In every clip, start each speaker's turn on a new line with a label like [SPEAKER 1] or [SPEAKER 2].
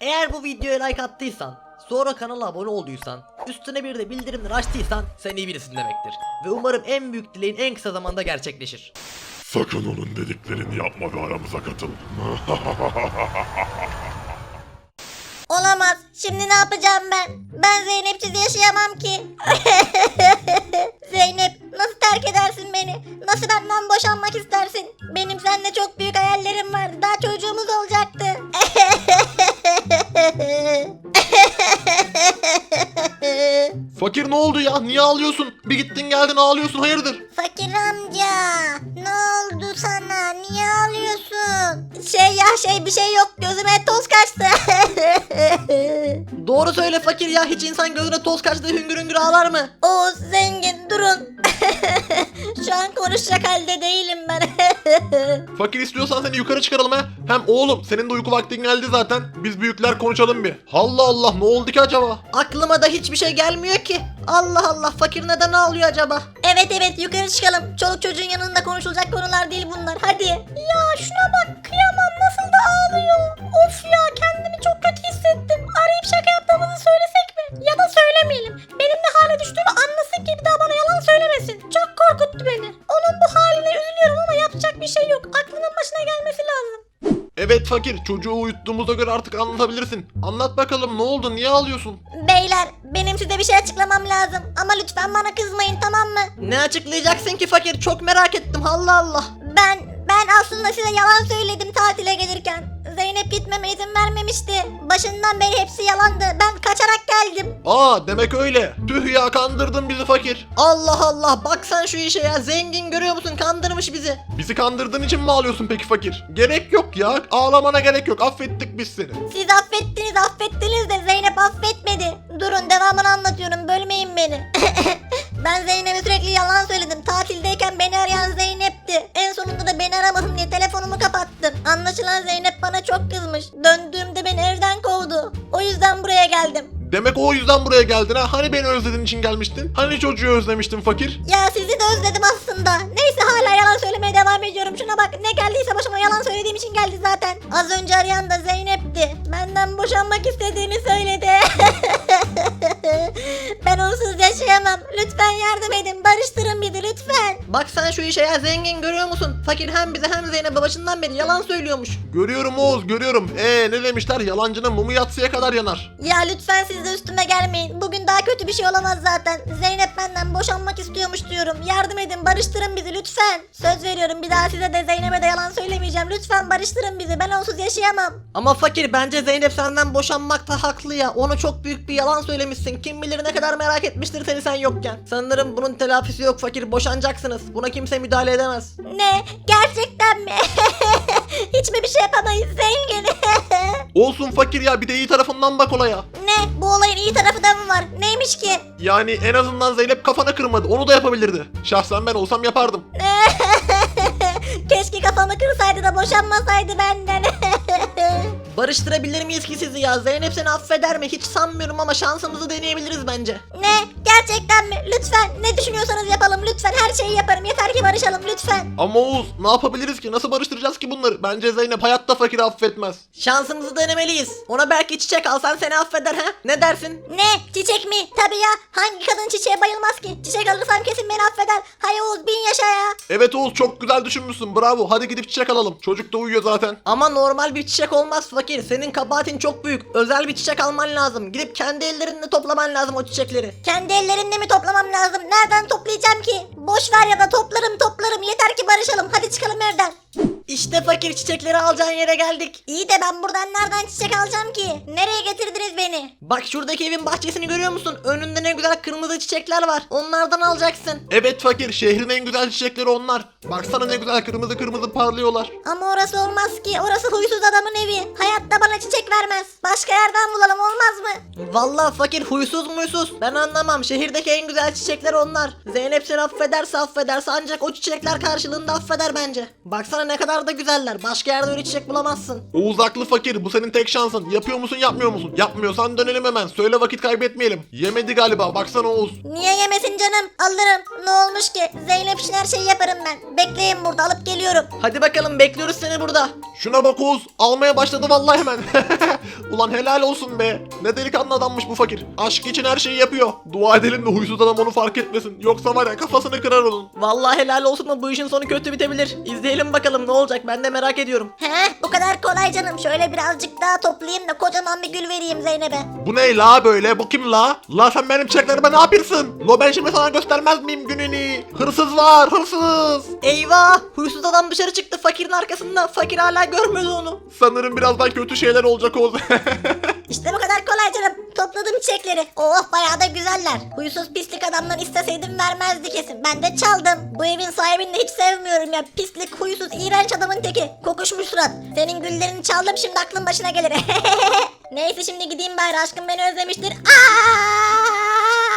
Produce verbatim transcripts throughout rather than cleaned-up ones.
[SPEAKER 1] Eğer bu videoya like attıysan, sonra kanala abone olduysan, üstüne bir de bildirimleri açtıysan sen iyi birisin demektir. Ve umarım en büyük dileğin en kısa zamanda gerçekleşir.
[SPEAKER 2] Sakın onun dediklerini yapma ve aramıza katıl.
[SPEAKER 3] Olamaz. Şimdi ne yapacağım ben? Ben Zeynep'siz yaşayamam ki. Zeynep, nasıl terk edersin beni? Nasıl benden boşanmak istersin? Benim seninle çok büyük hayallerim vardı. Daha çocuğumuz olacaktı.
[SPEAKER 4] Fakir ne oldu ya? Niye ağlıyorsun? Bir gittin geldin ağlıyorsun, hayırdır?
[SPEAKER 3] Fakir amca, ne oldu sana? Niye ağlıyorsun? Şey ya şey bir şey yok. Gözüme toz kaçtı.
[SPEAKER 1] Doğru söyle fakir ya, hiç insan gözüne toz kaçtığı hüngür hüngür ağlar mı?
[SPEAKER 3] Oğuz, zengin, durun. Şu an konuşacak halde değilim ben.
[SPEAKER 4] Fakir istiyorsan seni yukarı çıkaralım ha. Hem oğlum senin de uyku vaktin geldi zaten. Biz büyükler konuşalım bir. Allah Allah, ne oldu ki acaba?
[SPEAKER 1] Aklıma da hiçbir şey gelmiyor ki. Allah Allah, fakir neden ağlıyor acaba?
[SPEAKER 3] Evet evet, yukarı çıkalım. Çoluk çocuğun yanında konuşulacak konular değil bunlar. Hadi. Ya şuna bak, kıyamam, nasıl da ağlıyor. Of ya, kendimi çok kötü hissettim. Arayıp şaka yaptığımızı söylesek mi? Ya da söylemeyelim. Benim ne hale düştüğümü anlasın ki bir daha bana yalan söylemesin. Çok korkuttu beni. Onun bu haline üzülüyorum ama yapacak bir şey yok. Aklının başına gelmesi lazım.
[SPEAKER 4] Evet fakir, çocuğu uyuttuğumuza göre artık anlatabilirsin. Anlat bakalım, ne oldu, niye ağlıyorsun?
[SPEAKER 3] Beyler, benim size bir şey açıklamam lazım. Ama lütfen bana kızmayın, tamam mı?
[SPEAKER 1] Ne açıklayacaksın ki fakir? Çok merak ettim, Allah Allah.
[SPEAKER 3] Ben, ben aslında size yalan söyledim tatile gelirken. Zeynep gitmeme izin vermemişti. Başından beri hepsi yalandı. Ben kaçarak geldim.
[SPEAKER 4] Aa, demek öyle. Tüh ya, kandırdın bizi fakir.
[SPEAKER 1] Allah Allah, bak sen şu işe ya, zengin görüyor musun, kandırmış bizi.
[SPEAKER 4] Bizi kandırdığın için mi ağlıyorsun peki fakir? Gerek yok ya, ağlamana gerek yok, affettik biz seni.
[SPEAKER 3] Siz affettiniz affettiniz de Zeynep affetmedi. Durun, devamını anlatıyorum, bölmeyin beni. Ben Zeynep'e sürekli yalan söyledim. Tatildeyken beni arayan Zeynep'ti. En sonunda da beni aramasın diye telefonumu kapattım. Anlaşılan Zeynep bana çok kızmış. Döndüğümde beni evden kovdu. O yüzden buraya geldim.
[SPEAKER 4] Demek o yüzden buraya geldin ha? Hani beni özlediğin için gelmiştin? Hani çocuğu özlemiştin fakir?
[SPEAKER 3] Ya sizi de özledim aslında. Neyse, hala yalan söylemeye devam ediyorum. Şuna bak, ne geldiyse başıma yalan söylediğim için geldi zaten. Az önce arayan da Zeynep'ti. Benden boşanmak istediğini söyledi. Ben onsuz yaşayamam. Lütfen yardım edin. Barıştırın bizi lütfen.
[SPEAKER 1] Bak sen şu işe ya, zengin görüyor musun? Fakir hem bize hem Zeynep'e başından beri yalan söylüyormuş.
[SPEAKER 4] Görüyorum Oğuz, görüyorum. Ee ne demişler? Yalancının mumu yatsıya kadar yanar.
[SPEAKER 3] Ya lütfen siz de üstüme gelmeyin. Bugün daha kötü bir şey olamaz zaten. Zeynep benden boşanmak istiyormuş diyorum. Yardım edin, barıştırın bizi lütfen. Söz veriyorum, bir daha size de Zeynep'e de yalan söylemeyeceğim. Lütfen barıştırın bizi. Ben onsuz yaşayamam.
[SPEAKER 1] Ama fakir, bence Zeynep senden boşanmakta haklı ya. Ona çok büyük bir yalan söylemişsin. Kim bilir ne kadar merak etmiştir seni sen yokken. Sanırım bunun telafisi yok fakir, boşanacaksınız. Buna kimse müdahale edemez.
[SPEAKER 3] Ne? Gerçekten mi? Hiç mi bir şey yapamayız zengin?
[SPEAKER 4] Olsun fakir ya, bir de iyi tarafından bak olaya.
[SPEAKER 3] Ne? Bu olayın iyi tarafı da mı var? Neymiş ki?
[SPEAKER 4] Yani en azından Zeynep kafana kırmadı, onu da yapabilirdi. Şahsen ben olsam yapardım.
[SPEAKER 3] Keşke kafamı kırsaydı da boşanmasaydı benden.
[SPEAKER 1] Barıştırabilir miyiz ki sizi ya? Zeynep seni affeder mi? Hiç sanmıyorum ama şansımızı deneyebiliriz bence.
[SPEAKER 3] Ne? Gerçekten mi? Lütfen. Ne düşünüyorsanız yapalım lütfen. Her şeyi yaparım. Yeter ki barışalım lütfen.
[SPEAKER 4] Ama Oğuz, ne yapabiliriz ki? Nasıl barıştıracağız ki bunları? Bence Zeynep hayatta fakiri affetmez.
[SPEAKER 1] Şansımızı denemeliyiz. Ona belki çiçek alsan seni affeder ha? Ne dersin?
[SPEAKER 3] Ne? Çiçek mi? Tabii ya. Hangi kadın çiçeğe bayılmaz ki? Çiçek alırsam kesin beni affeder. Hay Oğuz, bin yaşa ya.
[SPEAKER 4] Evet Oğuz, çok güzel düşünmüşsün, bravo. Hadi gidip çiçek alalım. Çocuk da uyuyor zaten.
[SPEAKER 1] Ama normal bir çiçek olmaz fakir. Senin kabahatin çok büyük. Özel bir çiçek alman lazım. Gidip kendi ellerinle toplaman lazım o çiçekleri.
[SPEAKER 3] Kendi ellerimle mi toplamam lazım? Nereden toplayacağım ki? Boş ver, ya da toplarım toplarım. Yeter ki barışalım. Hadi çıkalım evden.
[SPEAKER 1] İşte fakir, çiçekleri alacağın yere geldik.
[SPEAKER 3] İyi de ben buradan nereden çiçek alacağım ki? Nereye getirdiniz beni?
[SPEAKER 1] Bak şuradaki evin bahçesini görüyor musun? Önünde ne güzel kırmızı çiçekler var. Onlardan alacaksın.
[SPEAKER 4] Evet fakir, şehrin en güzel çiçekleri onlar. Baksana ne güzel kırmızı kırmızı parlıyorlar.
[SPEAKER 3] Ama orası olmaz ki. Orası huysuz adamın evi. Hayatta bana çiçek vermez. Başka yerden bulalım, olmaz mı?
[SPEAKER 1] Vallahi fakir, huysuz muysuz? Ben anlamam. Şehirdeki en güzel çiçekler onlar. Zeynep seni affederse affederse ancak o çiçekler karşılığında affeder bence. Baksana ne kadar da güzeller. Başka yerde öyle çiçek bulamazsın.
[SPEAKER 4] Oğuz haklı fakir, bu senin tek şansın. Yapıyor musun yapmıyor musun? Yapmıyorsan dönelim hemen. Söyle, vakit kaybetmeyelim. Yemedi galiba, baksana Oğuz.
[SPEAKER 3] Niye yemesin canım? Alırım. Ne olmuş ki? Zeynep için her şeyi yaparım ben. Bekleyin burada, alıp geliyorum.
[SPEAKER 1] Hadi bakalım, bekliyoruz seni burada.
[SPEAKER 4] Şuna bak Oğuz, almaya başladı vallahi hemen. Ulan helal olsun be. Ne delikanlı adammış bu fakir. Aşk için her şeyi yapıyor. Dua edelim de huysuz adam onu fark etmesin. Yoksa var ya kafasını kırar onun.
[SPEAKER 1] Vallahi helal olsun da bu işin sonu kötü bitebilir. İzleyelim bakalım ne olacak, ben de merak ediyorum.
[SPEAKER 3] He, bu kadar kolay canım. Şöyle birazcık daha toplayayım da kocaman bir gül vereyim Zeynep'e.
[SPEAKER 4] Bu ne la böyle? Bu kim la? La sen benim çiçeklerime ne yapıyorsun? Lo ben şimdi sana göstermez miyim gününü? Hırsız var, hırsız.
[SPEAKER 1] Eyvah, huysuz adam dışarı çıktı fakirin arkasında. Fakir hala görmedi onu.
[SPEAKER 4] Sanırım birazdan kötü şeyler olacak Oğuz.
[SPEAKER 3] İşte bu kadar kolay canım. Topladım çiçekleri. Oh, bayağı da güzeller. Huysuz pislik adamdan isteseydim vermezdi kesin. Ben de çaldım. Bu evin sahibini de hiç sevmiyorum ya. Pislik, huysuz, iğrenç adamın teki. Kokuşmuş surat. Senin güllerini çaldım, şimdi aklın başına gelir. Neyse, şimdi gideyim bari, aşkım beni özlemiştir. Aa!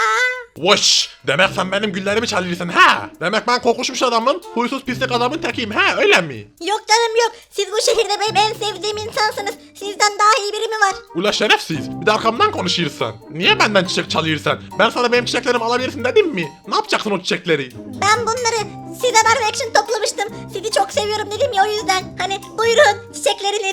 [SPEAKER 4] Vış! Demek sen benim güllerimi çalıyorsun ha? Demek ben kokuşmuş adamın, huysuz pislik adamın tekiyim ha, öyle mi?
[SPEAKER 3] Yok canım yok. Siz bu şehirde benim en sevdiğim insansınız. Sizden daha iyi biri mi var?
[SPEAKER 4] Ula şerefsiz, bir de arkamdan konuşuyorsun. Niye benden çiçek çalıyorsun? Ben sana benim çiçeklerimi alabilirsin dedim mi? Ne yapacaksın o çiçekleri?
[SPEAKER 3] Ben bunları size vermek için toplamıştım. Sizi çok seviyorum dedim ya, o yüzden. Hani buyurun çiçekleriniz.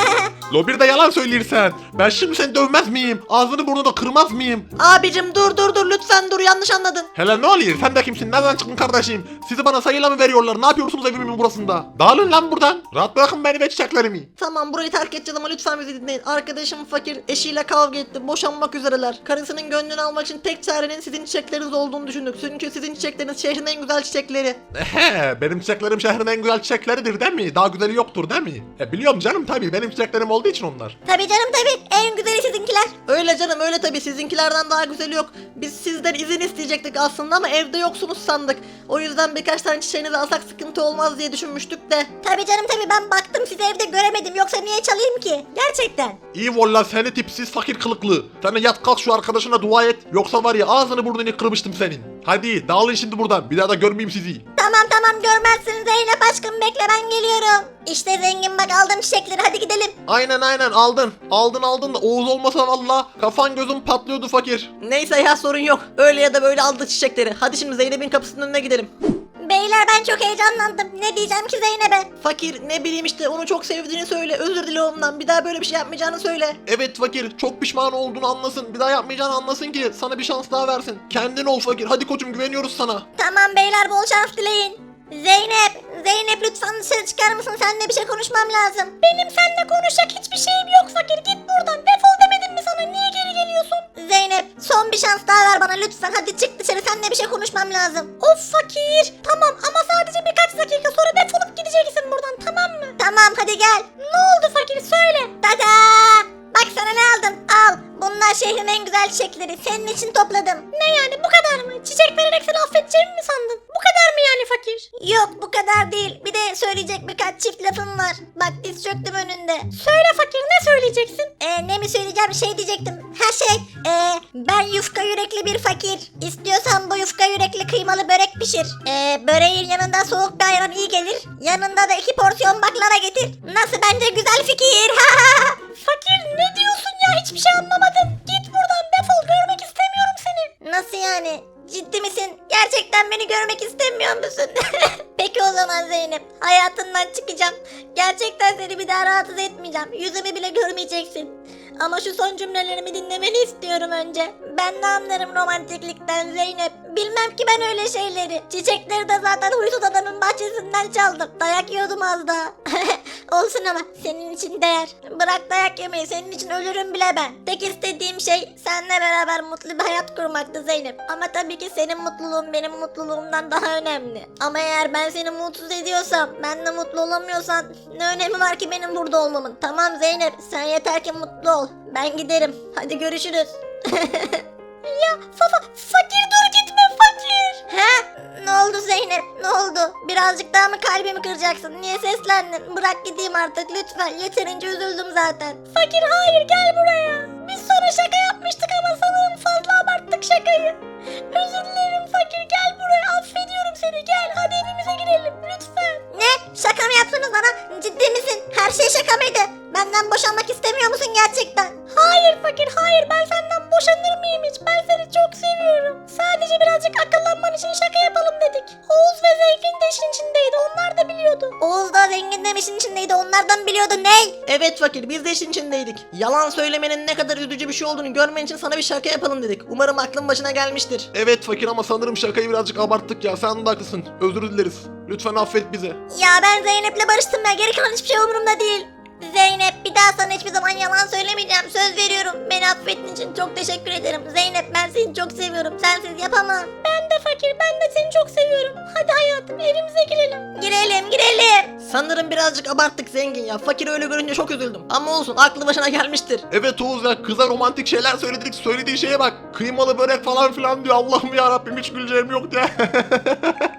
[SPEAKER 4] Lo bir de yalan söylüyorsun. Ben şimdi seni dövmez miyim? Ağzını burnunu kırmaz mıyım?
[SPEAKER 1] Abicim dur dur dur lütfen dur, yanlış anladın.
[SPEAKER 4] Hele ne oluyor? Sen de kimsin? Nereden çıktın kardeşim? Sizi bana sayıyla mı veriyorlar? Ne yapıyorsunuz evimin burasında? Dağılın lan buradan. Rahat bırakın beni ve çiçeklerimi.
[SPEAKER 1] Tamam, burayı terk edeceğiz ama lütfen bizi dinleyin. Arkadaşım fakir eşiyle kavga etti. Boşanmak üzereler. Karısının gönlünü almak için tek çarenin sizin çiçekleriniz olduğunu düşündük. Çünkü sizin çiçekleriniz şehrin en güzel çiçekleri.
[SPEAKER 4] Ehe, benim çiçeklerim şehrin en güzel çiçekleridir değil mi? Daha güzeli yoktur değil mi? E biliyorum canım tabii. Benim çiçeklerim olduğu için onlar.
[SPEAKER 3] Tabii canım tabii. En güzeli sizinkiler.
[SPEAKER 1] Öyle canım öyle tabii, sizinkilerden daha güzeli yok. Biz sizden izin isteyecektik aslında ama evde yoksunuz sandık. O yüzden birkaç tane çiçeğinizi alsak sıkıntı olmaz diye düşünmüştük de.
[SPEAKER 3] Tabii canım tabii, ben baktım sizi evde göremedim. Yoksa niye çalayım ki? Gerçekten.
[SPEAKER 4] İyi valla seni tipsiz fakir kılıklı. Sen de yat kalk şu arkadaşına dua et. Yoksa var ya ağzını burnunu kırmıştım senin. Hadi dağılın şimdi buradan. Bir daha da görmeyeyim sizi.
[SPEAKER 3] Tamam tamam, görmezsin Zeynep aşkım, bekle ben geliyorum. İşte zengin, bak aldım çiçekleri, hadi gidelim.
[SPEAKER 4] Aynen aynen aldın. Aldın aldın da Oğuz olmasa valla kafan gözün patlıyordu fakir.
[SPEAKER 1] Neyse ya, sorun yok. Öyle ya da böyle aldı çiçekleri. Hadi şimdi Zeynep'in kapısının önüne gidelim.
[SPEAKER 3] Beyler ben çok heyecanlandım. Ne diyeceğim ki Zeynep'e?
[SPEAKER 1] Fakir ne bileyim işte, onu çok sevdiğini söyle. Özür dile ondan. Bir daha böyle bir şey yapmayacağını söyle.
[SPEAKER 4] Evet fakir çok pişman olduğunu anlasın. Bir daha yapmayacağını anlasın ki sana bir şans daha versin. Kendin ol fakir. Hadi koçum güveniyoruz sana.
[SPEAKER 3] Tamam beyler, bol şans dileyin. Zeynep, Zeynep lütfen dışarı çıkar mısın? Seninle bir şey konuşmam lazım. Benim seninle konuşacak hiçbir şeyim yok fakir. Git buradan, defol demedim mi sana? Niye geri geliyorsun? Zeynep, son bir şans daha ver bana lütfen. Hadi çık dışarı, seninle bir şey konuşmam lazım. Of fakir. Tamam ama sadece birkaç dakika sonra defolup gideceksin buradan, tamam mı? Tamam hadi gel. Ne oldu fakir, söyle. Tada! Bak sana ne aldım, al. Bunlar şehrin en güzel çiçekleri. Senin için topladım. Ne yani, bu kadar mı? Çiçek vererek seni affedeceğimi mi sandın? Bu kadar mı yani fakir? Yok, bu kadar değil. Bir de söyleyecek birkaç çift lafım var. Bak diz çöktüm önünde. Söyle fakir, ne söyleyeceksin? Ee, ne mi söyleyeceğim, şey diyecektim. Ha şey, ee, ben yufka yürekli bir fakir. İstiyorsan bu yufka yürekli kıymalı börek pişir. Ee, böreğin yanında soğuk bir ayran iyi gelir. Yanında da iki porsiyon baklava getir. Nasıl, bence güzel fikir. Fakir ne diyorsun ya, hiçbir şey anlamadım. Git buradan, defol, görmek istemiyorum seni. Nasıl yani? Ciddi misin? Gerçekten beni görmek istemiyor musun? Peki o zaman Zeynep, hayatından çıkacağım. Gerçekten seni bir daha rahatsız etmeyeceğim. Yüzümü bile görmeyeceksin. Ama şu son cümlelerimi dinlemeni istiyorum önce. Ben ne anlarım romantiklikten Zeynep. Bilmem ki ben öyle şeyleri. Çiçekleri de zaten huysuz adamın bahçesinden çaldım. Dayak yiyordum az daha. Olsun ama senin için değer. Bırak dayak yemeyi, senin için ölürüm bile ben. Tek istediğim şey seninle beraber mutlu bir hayat kurmaktı Zeynep. Ama tabii ki senin mutluluğun benim mutluluğumdan daha önemli. Ama eğer ben seni mutsuz ediyorsam, ben de mutlu olamıyorsan ne önemi var ki benim burada olmamın? Tamam Zeynep, sen yeter ki mutlu ol. Ben giderim. Hadi görüşürüz. Ya fa fa fakir dur gitme fakir. He? Ne oldu Zeynep? Ne oldu? Birazcık daha mı kalbimi kıracaksın? Niye seslendin? Bırak gideyim artık lütfen. Yeterince üzüldüm zaten. Fakir hayır, gel buraya. Biz sonra şaka yapmıştık ama sanırım fazla abarttık şakayı. Özür dilerim fakir, gel buraya, affediyorum seni, gel hadi evimize girelim lütfen. Ne? Şaka mı yaptınız bana? Ciddi misin? Her şey şaka mıydı? Benden boşanmak istemiyor musun gerçekten? Hayır fakir hayır, ben senden boşanır mıyım hiç? Ben seni çok seviyorum. Sadece birazcık akıllanman için şaka yapalım dedik. Oğuz ve Zeyfin de işin içindeydi, nereden biliyordun ney?
[SPEAKER 1] Evet fakir, biz de işin içindeydik. Yalan söylemenin ne kadar üzücü bir şey olduğunu görmen için sana bir şaka yapalım dedik. Umarım aklın başına gelmiştir.
[SPEAKER 4] Evet fakir ama sanırım şakayı birazcık abarttık ya. Sen de haklısın. Özür dileriz. Lütfen affet bizi.
[SPEAKER 3] Ya ben Zeynep'le barıştım ya. Geri kalan hiçbir şey umurumda değil. Zeynep, bir daha sana hiçbir zaman yalan söylemeyeceğim. Söz veriyorum. Beni affettiğin için çok teşekkür ederim. Zeynep, ben seni çok seviyorum. Sensiz yapamam. Ben de fakir. Ben de seni çok seviyorum. Hadi hayatım, evimize girelim. Girelim girelim.
[SPEAKER 1] Sanırım birazcık abarttık zengin ya. Fakir öyle görünce çok üzüldüm. Ama olsun, aklı başına gelmiştir.
[SPEAKER 4] Evet Oğuz ya, kıza romantik şeyler söyledik. Söylediği şeye bak. Kıymalı börek falan filan diyor. Allah'ım ya Rabbim, hiç güleceğim yok ya.